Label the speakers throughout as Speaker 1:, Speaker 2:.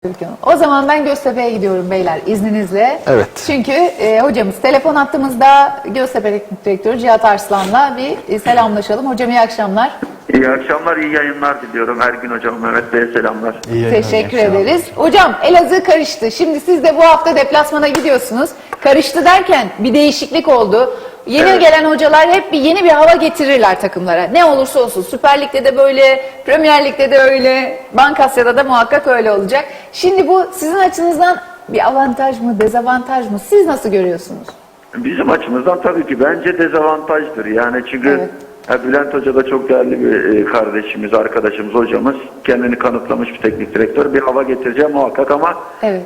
Speaker 1: O zaman ben Göztepe'ye gidiyorum beyler izninizle.
Speaker 2: Evet.
Speaker 1: Çünkü hocamız telefon attığımızda Göztepe Teknik Direktörü Cihat Arslan'la bir selamlaşalım. Hocam iyi akşamlar.
Speaker 3: İyi akşamlar, iyi yayınlar diliyorum. Ergün Hocam, Mehmet Bey'e selamlar.
Speaker 1: Teşekkür ederiz. Hocam Elazığ karıştı. Şimdi siz de bu hafta deplasmana gidiyorsunuz. Karıştı derken bir değişiklik oldu. Yeni
Speaker 3: Evet.
Speaker 1: gelen hocalar hep yeni bir hava getirirler takımlara. Ne olursa olsun. Süper Lig'de de böyle, Premier Lig'de de öyle, Bankasya'da da muhakkak öyle olacak. Şimdi bu sizin açınızdan bir avantaj mı, dezavantaj mı? Siz nasıl görüyorsunuz?
Speaker 3: Bizim açımızdan tabii ki bence dezavantajdır. Yani çünkü Bülent Hoca da çok değerli bir kardeşimiz, arkadaşımız, hocamız. Kendini kanıtlamış bir teknik direktör. Bir hava getireceğim muhakkak ama
Speaker 1: Evet.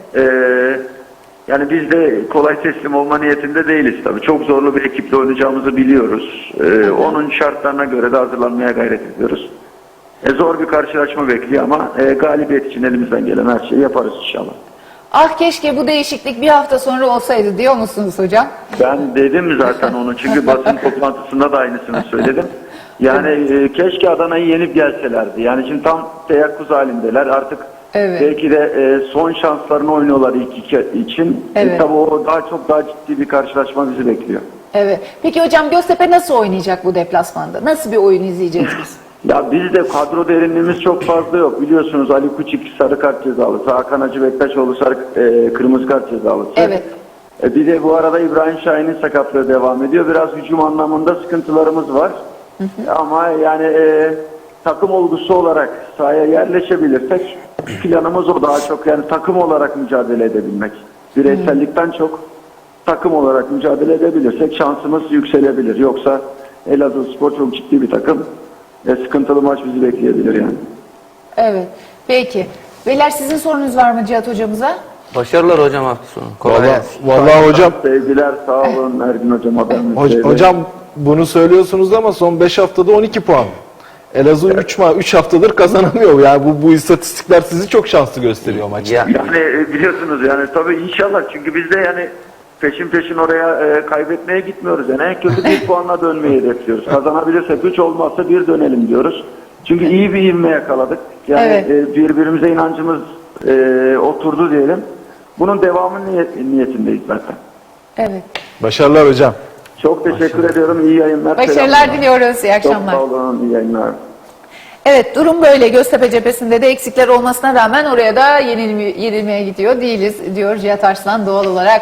Speaker 3: yani biz de kolay teslim olma niyetinde değiliz tabii. Çok zorlu bir ekiple oynayacağımızı biliyoruz. Onun şartlarına göre de hazırlanmaya gayret ediyoruz. Zor bir karşılaşma bekliyor ama galibiyet için elimizden gelen her şeyi yaparız inşallah.
Speaker 1: Ah keşke bu değişiklik bir hafta sonra olsaydı diyor musunuz hocam?
Speaker 3: Ben dedim zaten onu çünkü basın toplantısında da aynısını söyledim. Yani keşke Adana'yı yenip gelselerdi. Yani şimdi tam teyakkuz halindeler. Artık
Speaker 1: Evet.
Speaker 3: belki de son şanslarını oynuyorlar ilk iki için.
Speaker 1: Evet.
Speaker 3: Tabii o daha ciddi bir karşılaşma bizi bekliyor.
Speaker 1: Evet. Peki hocam Göztepe nasıl oynayacak bu deplasmanda? Nasıl bir oyun izleyeceğiz biz?
Speaker 3: Ya bizde kadro derinliğimiz çok fazla yok. Biliyorsunuz Ali Kuçik sarı kart cezalısı, Hakan Hacı Bektaşoğlu kırmızı kart cezalısı.
Speaker 1: Evet.
Speaker 3: Bir de bu arada İbrahim Şahin'in sakatlığı devam ediyor. Biraz hücum anlamında sıkıntılarımız var. Ama yani takım olgusu olarak sahaya yerleşebilirsek planımız o, daha çok yani takım olarak mücadele edebilmek. Bireysellikten çok takım olarak mücadele edebilirsek şansımız yükselebilir. Yoksa Elazığspor çok ciddi bir takım. Sıkıntılı maç bizi bekleyebilir yani.
Speaker 1: Evet. Peki. Beyler sizin sorunuz var mı Cihat hocamıza?
Speaker 4: Başarılar hocam hafta sonu. Kolay gelsin.
Speaker 2: Vallahi hocam,
Speaker 3: Sevgiler, sağ olun Ergün Hocam.
Speaker 2: hocam bunu söylüyorsunuz ama son 5 haftada 12 puan. Elazığ 3 haftadır kazanamıyor. Yani bu istatistikler sizi çok şanslı gösteriyor maçta.
Speaker 4: Ya,
Speaker 3: Yani biliyorsunuz yani tabii inşallah, çünkü biz de yani peşin oraya kaybetmeye gitmiyoruz. Yani en kötü bir puanla dönmeyi hedefliyoruz. Kazanabilirsek 3, olmazsa 1 dönelim diyoruz. Çünkü iyi bir ivme yakaladık. Yani birbirimize inancımız oturdu diyelim. Bunun devamı niyetindeyiz zaten.
Speaker 1: Evet.
Speaker 2: Başarılar hocam.
Speaker 3: Çok teşekkür ediyorum. İyi yayınlar.
Speaker 1: Başarılar
Speaker 3: selamlar.
Speaker 1: diliyoruz. İyi
Speaker 3: Çok
Speaker 1: akşamlar.
Speaker 3: sağ olun. İyi yayınlar.
Speaker 1: Evet, durum böyle. Göztepe cephesinde de eksikler olmasına rağmen oraya da yenilmeye gidiyor değiliz diyor Cihat Arslan doğal olarak.